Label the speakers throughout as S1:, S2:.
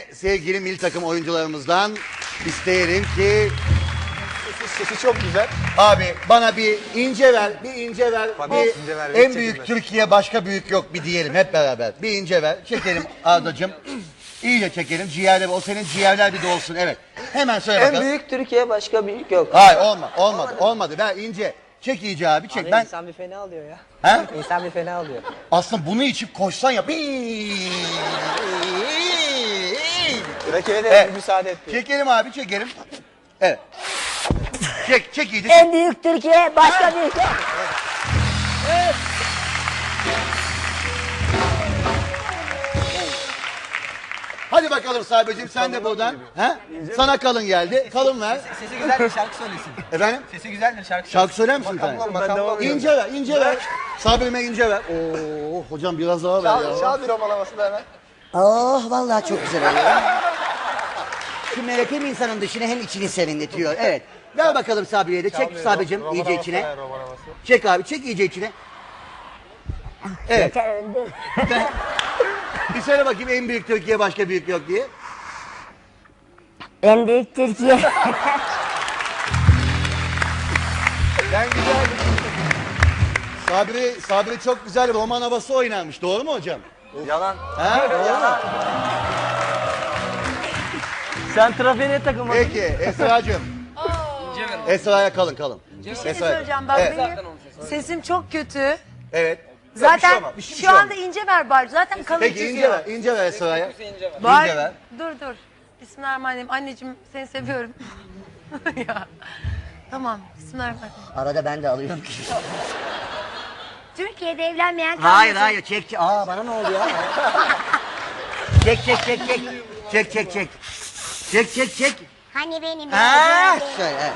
S1: sevgili milli takım oyuncularımızdan isteyelim ki...
S2: Sesi çok güzel.
S1: Abi bana bir ince ver, bir ince ver.
S2: Tabii,
S1: Bir
S2: ince ver,
S1: en
S2: hiç
S1: büyük
S2: çekinmez.
S1: Türkiye başka büyük yok bir diyelim hep beraber. Bir ince ver. Çekelim Arda'cığım. İyice çekelim. Ciğerler, o senin ciğerler bir dolsun. Evet. Hemen söyle
S3: En
S1: bakalım.
S3: büyük Türkiye başka büyük yok.
S1: Hayır olmadı. Ver ince. Çek iyice abi çek.
S3: Abi
S1: Ben
S3: insan bir fena alıyor ya.
S1: ha?
S3: İnsan bir fena alıyor.
S1: Aslında bunu içip koşsan ya.
S2: Rakibe de
S1: Evet.
S2: müsaade etti.
S1: Çekelim abi çekelim. Evet. Çek iyice.
S4: En büyük Türkiye başka büyük yok.
S1: Hadi bakalım Sahibe'cim sen de buradan. Ha? Sana kalın geldi. Kalın ver.
S3: Sesi güzeldir şarkı söylesin.
S1: Efendim?
S3: Sesi güzeldir şarkı
S1: Şarkı söyler misin bir tane?
S2: Makamlı
S1: İnce ver, ince ver. Sabri'me ince ver. Oo, hocam biraz daha ver ya.
S2: Çal bir romalaması da hemen.
S4: Oh vallahi çok güzel oluyor. Şu melek hem insanın dışını hem içini serinletiyor. Evet. Ver bakalım Sabri'ye de. Çek Sabri'cim iyice içine. Çek abi, çek iyice içine. Evet.
S1: Bir söyle bakayım en büyük Türkiye başka büyük yok diye.
S4: En büyük Türkiye.
S1: Ben güzel. Sabri çok güzel roman havası oynarmış. Doğru mu hocam?
S2: Yalan.
S1: Ha, doğru mu?
S3: Sen trafiğe takılma.
S1: Peki Esra'cığım. Esra'ya kalın.
S5: Bir şey söyleyeceğim bak benim sesim çok kötü.
S1: Evet.
S5: Zaten
S1: Bir şey
S5: şu anda
S1: olmaz.
S5: ince ver bari. Zaten kalın
S1: Peki
S5: çıkıyor.
S1: ince ver Esra'ya.
S5: Bari-
S1: ince ver.
S5: Dur. Bismillahirrahmanirrahim. Anneciğim seni seviyorum. ya. Tamam. Bismillahirrahmanirrahim.
S4: Arada ben de alıyorum.
S5: Türkiye'de evlenmeyen kalmasın.
S4: Hayır çek. Aa bana ne oldu ya? Çek.
S6: Hani benim
S4: Ha, şöyle. Evet.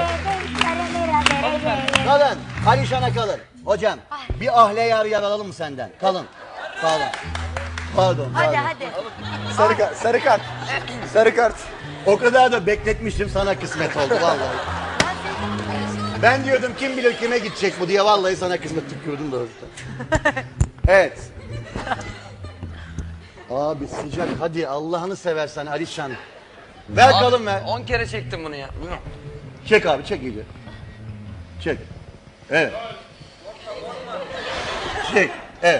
S1: Kalın. Alişan'a kalın. Hocam bir ahle yar alalım mı senden? Kalın. Pardon.
S5: Hadi.
S2: Sarı kart. Sarı kart.
S1: O kadar da bekletmiştim sana kısmet oldu vallahi. Ben diyordum kim bilir kime gidecek bu diye vallahi sana kısmet tükürdüm doğrusu. Evet. Abi sıcak hadi Allah'ını seversen Alişan. Ver kalın ver.
S3: 10 kere çektim bunu ya.
S1: Çek abi çek iyice. Çek. Evet. Çek. Evet.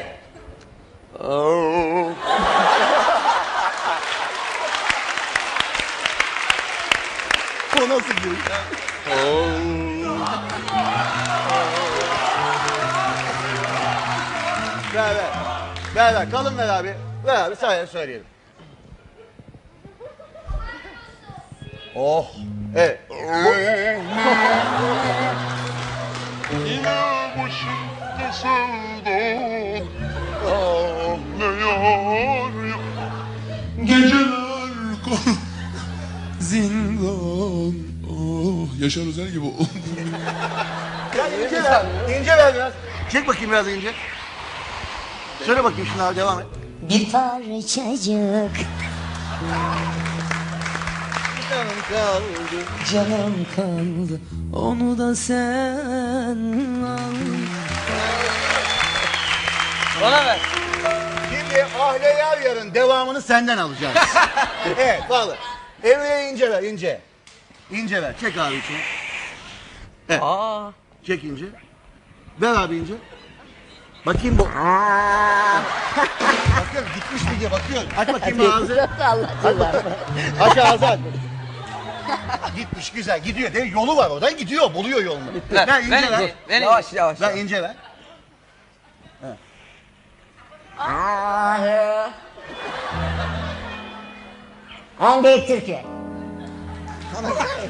S1: O nasıl bir? Ver. Kalın ver abi. Ver abi söyleyelim. Oh. Evet.
S7: Yine başımda sevdan, ah ne yar ya. Geceler zindan. Oh, Yaşar Özel gibi oldu.
S1: İnce ver biraz. Çek bakayım biraz ince. Söyle bakayım şunu abi devam et.
S4: Bir parçacık canım kaldı. Onu da sen al.
S3: Bana ver.
S1: Şimdi Ahle Yar Yar'ın devamını senden alacağız. Evet vallahi. Emre'ye ince ver ince. İnce ver. Çek abi içine. Evet. Çek ince. Ver abi ince. Bakayım bu. Bakıyorum gitmiş mi diye bakıyorum. Aç bakayım ağzı. Aç ağzı aç. Gitmiş güzel gidiyor. Değil, yolu var oradan gidiyor. Buluyor yolunu. Ver ince ver.
S3: Yavaş.
S1: Ver ince ver.
S4: En büyük Türkiye.